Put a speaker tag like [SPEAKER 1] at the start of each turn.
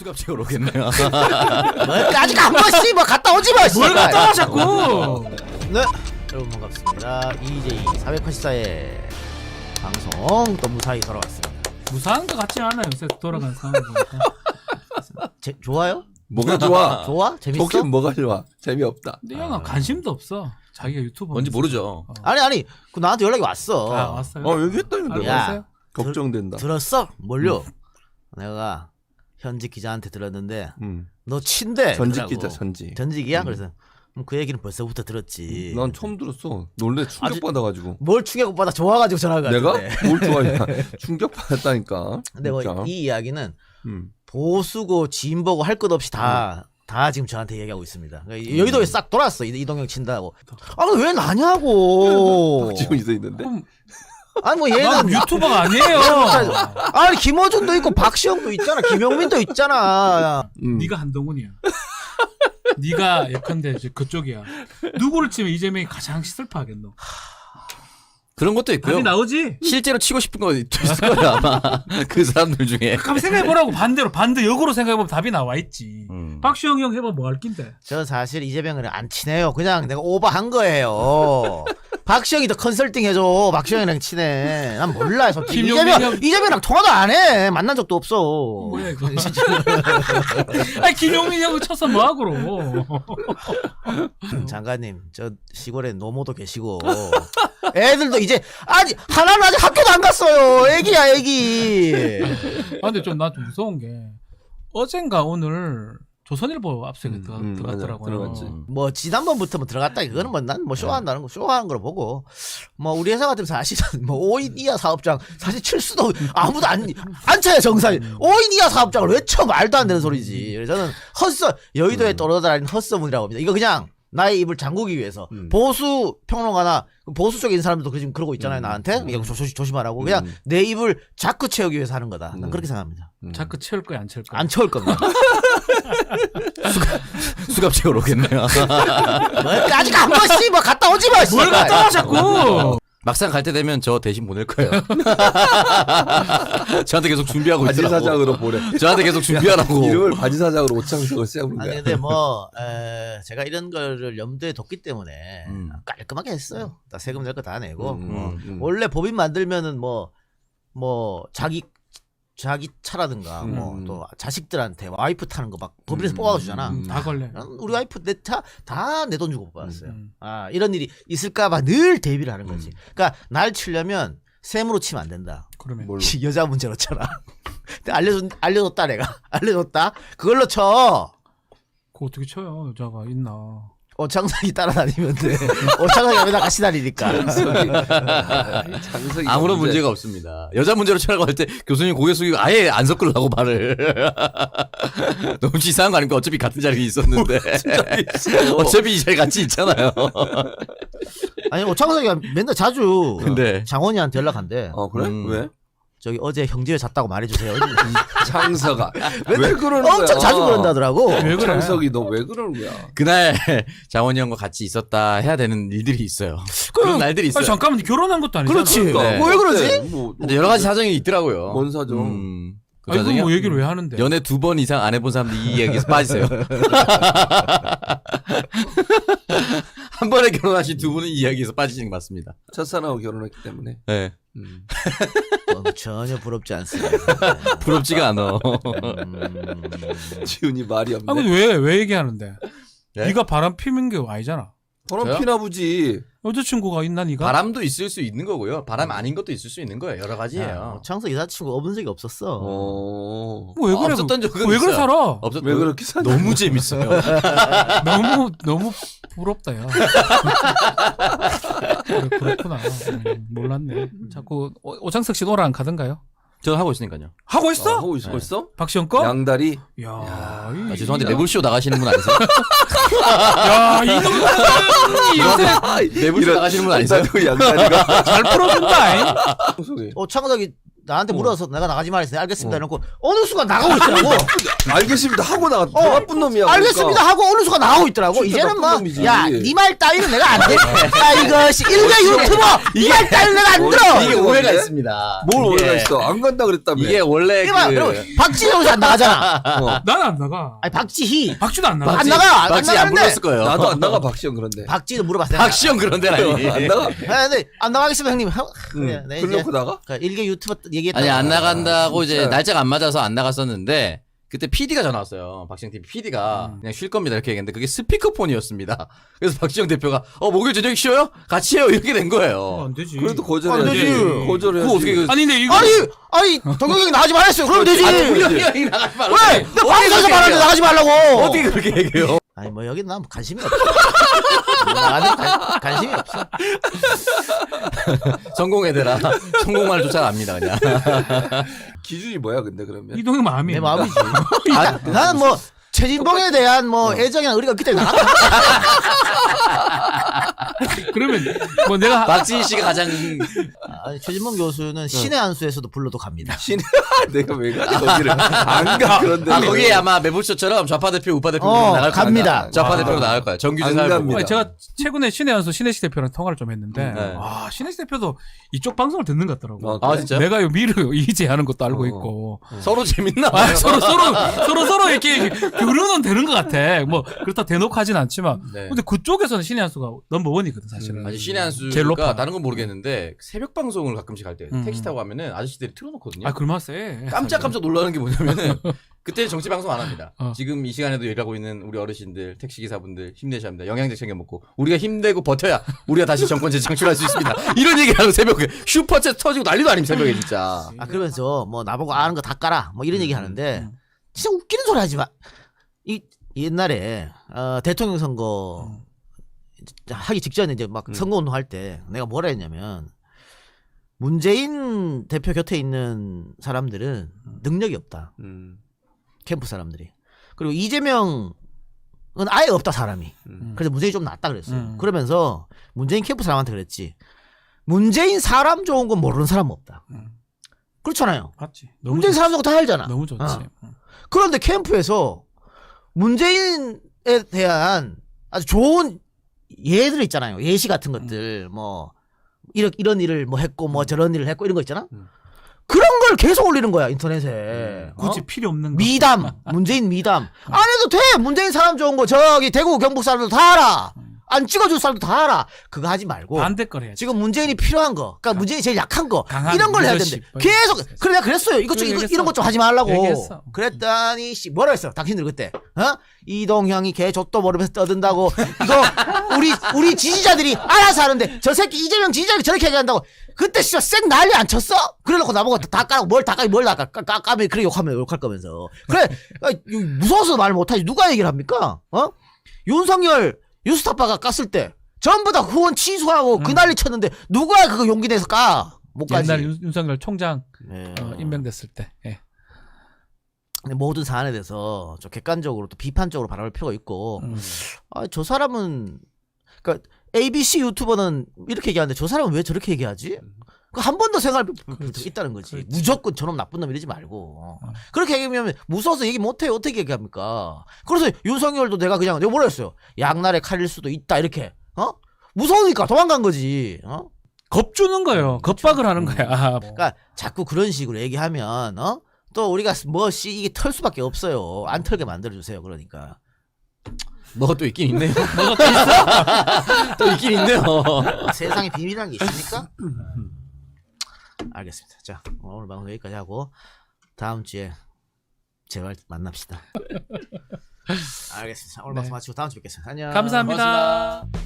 [SPEAKER 1] 수갑책으로 오겠네요.
[SPEAKER 2] 아직 안 봤지 뭐 갔다 오지 마.
[SPEAKER 3] 뭘 갔다 와 자꾸.
[SPEAKER 2] 네 여러분 반갑습니다. EJ 484의 방송 또 무사히 돌아왔습니다.
[SPEAKER 3] 무사한 것 같지 않아요. 요새 돌아가는 상황 보니까.
[SPEAKER 2] 좋아요?
[SPEAKER 4] 뭐가 좋아?
[SPEAKER 2] 좋아? 재밌어?
[SPEAKER 4] 좋긴 뭐가 좋아? 재미없다.
[SPEAKER 3] 근데 형아 관심도 없어. 자기가 유튜버
[SPEAKER 1] 뭔지 모르죠.
[SPEAKER 2] 아니 그 나한테 연락이 왔어.
[SPEAKER 3] 아 왔어요?
[SPEAKER 4] 얘기했다는데.
[SPEAKER 2] 야
[SPEAKER 4] 걱정된다.
[SPEAKER 2] 들었어? 뭘요? 내가 현직 기자한테 들었는데
[SPEAKER 4] 음.
[SPEAKER 2] 너 친대.
[SPEAKER 4] 전직 기자 전직.
[SPEAKER 2] 전직이야? 그래서 그 얘기는 벌써부터 들었지.
[SPEAKER 4] 난 처음 들었어. 놀래 충격 받아가지고.
[SPEAKER 2] 뭘 충격받아 좋아가지고 전화가
[SPEAKER 4] 내가
[SPEAKER 2] 왔는데.
[SPEAKER 4] 뭘 좋아했냐? 충격 받았다니까.
[SPEAKER 2] 근데 뭐 이 이야기는
[SPEAKER 4] 음.
[SPEAKER 2] 보수고 진보고 할 것 없이 다 지금 저한테 얘기하고 있습니다. 그러니까 여의도에 싹 돌았어. 이동형 친다고. 아 왜 나냐고.
[SPEAKER 4] 박지훈 있어 있는데.
[SPEAKER 2] 아니 뭐
[SPEAKER 3] 난
[SPEAKER 2] 얘는
[SPEAKER 3] 유튜버가 아니에요.
[SPEAKER 2] 아니 김어준도 있고 박시영도 있잖아. 김용민도 있잖아.
[SPEAKER 3] 네가 한동훈이야. 네가 예컨대 이제 그쪽이야. 누구를 치면 이재명이 가장 슬퍼하겠노?
[SPEAKER 1] 그런 것도 있고요.
[SPEAKER 3] 답이 나오지?
[SPEAKER 1] 실제로 치고 싶은 거 있을 거예요 아마. 그 사람들 중에.
[SPEAKER 3] 가만 생각해보라고. 반대 역으로 생각해보면 답이 나와 있지. 박시영 형 해봐 뭐 할 낀데.
[SPEAKER 2] 저 사실 이재명이랑 안 친해요. 그냥 내가 오버한 거예요. 박시영이 더 컨설팅 해줘. 박시영이랑 친해. 난 몰라 솔직히. 이재명이랑 통화도 안 해. 만난 적도 없어.
[SPEAKER 3] 뭐야 이거. 아니 김용민 형을 쳐서 뭐하고로.
[SPEAKER 2] 장관님 저 시골에 노모도 계시고 애들도 이제 아니 하나는 아직 학교도 안 갔어요. 애기야 애기.
[SPEAKER 3] 아 근데 나 좀 무서운 게 어젠가 오늘 조선일보 압수에 들어갔더라고요.
[SPEAKER 4] 들어갔지.
[SPEAKER 2] 뭐 지난번부터 뭐 들어갔다 이거는 뭐 난 뭐 쇼한다는 거 쇼하는 걸 보고 뭐 우리 회사 같으면 사실은 뭐 5인 이하 사업장 사실 칠 수도 아무도 안 차요 정상이 5인 이하 사업장을 왜 쳐 말도 안 되는 소리지. 그래서 저는 여의도에 떠돌아다니는 헛소문이라고 합니다. 이거 그냥 나의 입을 잠그기 위해서 보수 평론가나 보수 쪽에 있는 사람들도 지금 그러고 있잖아요. 나한테 이거 조심하라고 그냥 내 입을 자꾸 채우기 위해서 하는 거다. 난 그렇게 생각합니다.
[SPEAKER 3] 자꾸 채울 거야 안 채울 거야?
[SPEAKER 2] 안 채울 겁니다.
[SPEAKER 1] 수갑책으로 오겠네요.
[SPEAKER 2] 아직 안 봤지 뭐 갔다 오지 마.
[SPEAKER 3] 뭘 갔다 와 자꾸.
[SPEAKER 1] 막상 갈 때 되면 저 대신 보낼 거예요. 저한테 계속 준비하고
[SPEAKER 4] 바지
[SPEAKER 1] 있더라고.
[SPEAKER 4] 사장으로 보내.
[SPEAKER 1] 저한테 계속 준비하라고.
[SPEAKER 4] 이름을 바지 사장으로 오창석을 세우는
[SPEAKER 2] 아니
[SPEAKER 4] 거야.
[SPEAKER 2] 근데 뭐 제가 이런 거를 염두에 뒀기 때문에 깔끔하게 했어요. 다 세금 낼 거 다 내고 원래 법인 만들면은 뭐 자기 차라든가 뭐 또 자식들한테 와이프 타는 거 막 법인에서 뽑아주잖아.
[SPEAKER 3] 다 걸려.
[SPEAKER 2] 우리 와이프 내 차 다 내 돈 주고 뽑았어요. 아 이런 일이 있을까봐 늘 대비를 하는 거지. 그러니까 날 치려면 셈으로 치면 안 된다.
[SPEAKER 3] 그러면
[SPEAKER 2] 여자 문제로잖아. 알려줬다 내가 알려줬다. 그걸로 쳐.
[SPEAKER 3] 그거 어떻게 쳐요? 여자가 있나?
[SPEAKER 2] 오창석이 따라다니면 돼. 오창석이 맨날 같이 다니니까.
[SPEAKER 4] 창석이
[SPEAKER 1] 아무런 문제가 없습니다. 여자 문제로 치라고 할 때 교수님 고개 숙이고 아예 안 섞으려고 말을. 너무 치사한 거 아닙니까? 어차피 같은 자리에 있었는데. 어차피 이 자리 같이 있잖아요.
[SPEAKER 2] 아니 오창석이 맨날 자주
[SPEAKER 1] 근데
[SPEAKER 2] 장원이한테 연락한대.
[SPEAKER 4] 그래? 왜?
[SPEAKER 2] 저기 어제 형제회 잤다고 말해주세요.
[SPEAKER 4] 창석아. 왜 그러는 거야?
[SPEAKER 2] 엄청 자주 그런다더라고.
[SPEAKER 3] 왜 그래?
[SPEAKER 4] 창석이 너 왜 그러는 거야?
[SPEAKER 1] 그날 장원이 형과 같이 있었다 해야 되는 일들이 있어요. 그런 날들이 있어요.
[SPEAKER 3] 아니, 잠깐만 결혼한 것도 아니잖아.
[SPEAKER 2] 그렇지.
[SPEAKER 1] 네.
[SPEAKER 2] 왜 그러지?
[SPEAKER 4] 뭐
[SPEAKER 1] 여러 가지 사정이 있더라고요.
[SPEAKER 4] 뭔 사정?
[SPEAKER 1] 그
[SPEAKER 3] 아니
[SPEAKER 1] 사정이요?
[SPEAKER 3] 뭐 얘기를 왜 하는데?
[SPEAKER 1] 연애 2번 이상 안 해본 사람들 이 얘기에서 빠지세요. 한 번에 결혼하신 두 분은 이 이야기에서 빠지시는 게 맞습니다.
[SPEAKER 4] 첫사랑하고 결혼했기 때문에.
[SPEAKER 1] 네.
[SPEAKER 2] 전혀 부럽지 않습니다.
[SPEAKER 1] 부럽지가 않아.
[SPEAKER 4] 지훈이 말이 없네.
[SPEAKER 3] 아 근데 왜 얘기하는데?
[SPEAKER 1] 네?
[SPEAKER 3] 네가 바람 피는 게 아니잖아.
[SPEAKER 4] 바람 피나 보지.
[SPEAKER 3] 여자친구가 있나 네가?
[SPEAKER 1] 바람도 있을 수 있는 거고요. 바람 아닌 것도 있을 수 있는 거예요. 여러 가지예요.
[SPEAKER 2] 오창석 여자친구 없은 적이 없었어.
[SPEAKER 3] 왜 그래?
[SPEAKER 1] 없었던 적은
[SPEAKER 3] 왜 그래
[SPEAKER 1] 있어요.
[SPEAKER 3] 살아?
[SPEAKER 4] 왜 그렇게 사냐?
[SPEAKER 1] 너무 재밌어요.
[SPEAKER 3] 너무 부럽다 야. 그렇구나. 몰랐네. 자꾸 오창석 씨 노래 안 가던가요?
[SPEAKER 1] 저는 하고 있으니까요.
[SPEAKER 3] 하고 있어?
[SPEAKER 4] 하고 있을 걸써?
[SPEAKER 3] 박시영 거?
[SPEAKER 4] 양다리.
[SPEAKER 3] 야,
[SPEAKER 1] 죄송한데 매불쇼 나가시는 분 아니세요?
[SPEAKER 3] 야, 이놈들
[SPEAKER 1] 매불쇼 나가시는 분 아니세요?
[SPEAKER 4] 나도 양다리가.
[SPEAKER 3] 잘 풀어준다.
[SPEAKER 4] 창석이.
[SPEAKER 2] 오창석이 나한테 물어서 내가 나가지 말했어. 알겠습니다. 해놓고 어느 순간 나가고 있더라고.
[SPEAKER 4] 알겠습니다 하고 나가 더 나쁜 놈이야.
[SPEAKER 2] 알겠습니다
[SPEAKER 4] 그러니까.
[SPEAKER 2] 하고 어느 순간 나오고 있더라고.
[SPEAKER 4] 진짜
[SPEAKER 2] 이제는 뭐,
[SPEAKER 4] 나쁜 놈이지.
[SPEAKER 2] 야, 니 말 따위는 내가 안 돼. 야, 이것이 일개 유튜버, 니 말 따위는 내가 안 들어.
[SPEAKER 1] 이게 오해가 있습니다.
[SPEAKER 4] 뭘
[SPEAKER 1] 이게-
[SPEAKER 4] 오해가 있어? 안 간다 그랬다며.
[SPEAKER 1] 이게 원래
[SPEAKER 2] 이게 봐, 여러분, 박지희 안 나가잖아.
[SPEAKER 3] 나는 안 나가.
[SPEAKER 2] 아니, 박지희.
[SPEAKER 3] 박쥐도 안 나가.
[SPEAKER 2] 안 나가. 안
[SPEAKER 1] 박지 안
[SPEAKER 2] 나가는데.
[SPEAKER 1] 불렀을 거예요.
[SPEAKER 4] 나도 안 나가 박시영 그런데.
[SPEAKER 2] 박지희도 물어봤어요.
[SPEAKER 1] 박시영 그런 데는 아니.
[SPEAKER 4] 안 나가?
[SPEAKER 2] 아, 근데 안 나가겠습니다, 형님. 그래, 네, 이제
[SPEAKER 4] 그래놓고 나가?
[SPEAKER 2] 일개 유튜버 얘기했다.
[SPEAKER 1] 아니 안 나간다고 이제
[SPEAKER 4] 진짜.
[SPEAKER 1] 날짜가 안 맞아서 안 나갔었는데 그때 PD가 전화 왔어요. 박시영 TV PD가 그냥 쉴 겁니다 이렇게 얘기했는데 그게 스피커폰이었습니다. 그래서 박시영 대표가 목요일 저녁 쉬어요? 같이 해요 이렇게 된 거예요.
[SPEAKER 3] 안 되지.
[SPEAKER 4] 그래도
[SPEAKER 2] 안
[SPEAKER 4] 거절해야지.
[SPEAKER 2] 되지.
[SPEAKER 4] 거절해야지.
[SPEAKER 1] 그거 어떻게 그
[SPEAKER 3] 아니 근데 이거
[SPEAKER 2] 아니, 동경이 나가지 말랬어요. 그러면 되지.
[SPEAKER 1] 우리 형이 나가지 말라고.
[SPEAKER 2] 왜? 내 방송에서 말하는데 나가지 말라고.
[SPEAKER 1] 어떻게 그렇게 얘기해요?
[SPEAKER 2] 아니, 뭐, 여기 난 관심이 없어. 나한테 관심이 없어.
[SPEAKER 1] 성공해대라. 성공만을 쫓아갑니다 그냥.
[SPEAKER 4] 기준이 뭐야 근데 그러면?
[SPEAKER 3] 이동형 마음이.
[SPEAKER 2] 내 마음이지. 나는 뭐, 최진봉에 대한 뭐, 애정이나 의리가 없기 때문에 나갔다.
[SPEAKER 3] 그러면 뭐 내가
[SPEAKER 1] 박지희 씨가 가장
[SPEAKER 2] 아니, 최진봉 교수는 신의 한수에서도 불러도 갑니다.
[SPEAKER 4] 신의 내가 왜 가지 거기를 안 가 그런데.
[SPEAKER 1] 거기에 아마 매불쇼처럼 좌파 대표 우파 대표 나갈
[SPEAKER 2] 갑니다.
[SPEAKER 1] 거야. 좌파 대표로 나갈 거야. 정규직
[SPEAKER 4] 안
[SPEAKER 1] 사회보고.
[SPEAKER 4] 갑니다.
[SPEAKER 3] 아니, 제가 최근에 신의 한수 신혜식 대표랑 통화를 좀 했는데
[SPEAKER 1] 네.
[SPEAKER 3] 와 신혜식 대표도 이쪽 방송을 듣는 것 같더라고.
[SPEAKER 1] 아 진짜요?
[SPEAKER 3] 내가 요 미르 이재하는 것도 알고 있고.
[SPEAKER 1] 서로 재밌나
[SPEAKER 3] 아,
[SPEAKER 1] 봐요.
[SPEAKER 3] 서로 이렇게 교류는 되는 것 같아. 뭐 그렇다 대놓고 하진 않지만.
[SPEAKER 1] 네.
[SPEAKER 3] 근데 그쪽에서는 신의 한수가 넘버원이거든 사실은.
[SPEAKER 1] 아니 신의
[SPEAKER 3] 제일 높아.
[SPEAKER 1] 한수가 다른 건 모르겠는데 새벽 방송을 가끔씩 할 때
[SPEAKER 3] 음.
[SPEAKER 1] 택시 타고 가면은 아저씨들이 틀어놓거든요.
[SPEAKER 3] 아 그러면 쎄.
[SPEAKER 1] 깜짝 놀라는 게 뭐냐면은 그때 정치 방송 안 합니다.
[SPEAKER 3] 어.
[SPEAKER 1] 지금 이 시간에도 일하고 있는 우리 어르신들, 택시 기사분들 힘내셔야 합니다. 영양제 챙겨 먹고 우리가 힘내고 버텨야 우리가 다시 정권 재창출할 수 있습니다. 이런 얘기하고 새벽에 슈퍼챗 터지고 난리도 아닙니다. 새벽에 진짜.
[SPEAKER 2] 아, 그러면서 뭐, 나보고 아는 거 다 까라. 뭐, 이런 얘기 하는데, 진짜 웃기는 소리 하지 마. 옛날에, 대통령 선거 하기 직전에 이제 막 선거운동 할 때 내가 뭐라 했냐면, 문재인 대표 곁에 있는 사람들은 능력이 없다. 캠프 사람들이. 그리고 이재명은 아예 없다, 사람이. 그래서 문재인이 좀 낫다 그랬어요. 그러면서 문재인 캠프 사람한테 그랬지. 문재인 사람 좋은 건 모르는 사람은 없다. 그렇잖아요.
[SPEAKER 3] 맞지. 너무
[SPEAKER 2] 문재인
[SPEAKER 3] 좋지.
[SPEAKER 2] 사람 좋은 거 다 알잖아.
[SPEAKER 3] 너무 좋지.
[SPEAKER 2] 그런데 캠프에서 문재인에 대한 아주 좋은 예들 있잖아요. 예시 같은 것들, 뭐, 이런 일을 뭐 했고, 뭐 저런 일을 했고, 이런 거 있잖아? 그런 걸 계속 올리는 거야, 인터넷에.
[SPEAKER 3] 굳이 필요 없는 거.
[SPEAKER 2] 미담, 문재인 미담. 안 해도 돼! 문재인 사람 좋은 거, 저기 대구 경북 사람도 다 알아! 안 찍어줄 사람도 다 알아! 그거 하지 말고.
[SPEAKER 3] 반대 걸 해야지.
[SPEAKER 2] 지금 문재인이 필요한 거, 그러니까 문재인이 제일 약한 거,
[SPEAKER 3] 강한
[SPEAKER 2] 이런 걸 해야
[SPEAKER 3] 리더십.
[SPEAKER 2] 되는데 계속 그래 내가 그랬어요. 이것 좀
[SPEAKER 3] 얘기했어.
[SPEAKER 2] 이런 것 좀 하지 말라고.
[SPEAKER 3] 얘기했어.
[SPEAKER 2] 그랬더니 씨 뭐라 했어? 당신들 그때 이동형이 개 족도 모르면서 떠든다고 이거 우리 지지자들이 알아서 하는데 저 새끼 이재명 지지자들이 저렇게 얘기한다고 그때 진짜 쌩 난리 안 쳤어? 그래놓고 나보고 다 까고 뭘 까면 그래 욕하면 욕할 거면서 그래 무서워서 말 못하지 누가 얘기를 합니까? 윤석열 뉴스타파가 깠을 때 전부 다 후원 취소하고 그 난리 쳤는데 누가 그거 용기 내서 까? 못 가지.
[SPEAKER 3] 옛날 윤석열 총장
[SPEAKER 2] 네.
[SPEAKER 3] 임명됐을 때. 예.
[SPEAKER 2] 근데 모든 사안에 대해서 좀 객관적으로 또 비판적으로 바라볼 필요가 있고 저 사람은 그러니까 ABC 유튜버는 이렇게 얘기하는데 저 사람은 왜 저렇게 얘기하지? 한 번 더 생각할 필요가 있다는 거지.
[SPEAKER 3] 그렇지.
[SPEAKER 2] 무조건 저놈 나쁜 놈 이러지 말고 그렇게 얘기하면 무서워서 얘기 못해요. 어떻게 얘기합니까? 그래서 윤석열도 내가 뭐라 했어요? 양날의 칼일 수도 있다 이렇게 무서우니까 도망간 거지.
[SPEAKER 3] 겁주는 거예요. 겁박을 하는 거야.
[SPEAKER 2] 그러니까 자꾸 그런 식으로 얘기하면 또 우리가 이게 털 수밖에 없어요. 안 털게 만들어 주세요. 그러니까.
[SPEAKER 1] 뭐가 또 있긴 있네요. 뭐가 또 있어? 또 있긴 있네요.
[SPEAKER 2] 세상에 비밀이라는 게 있습니까? 알겠습니다. 자, 오늘 방송 여기까지 하고 다음 주에 제발 만납시다. 알겠습니다. 오늘
[SPEAKER 3] 네.
[SPEAKER 2] 방송 마치고 다음 주에 뵙겠습니다. 안녕.
[SPEAKER 3] 감사합니다.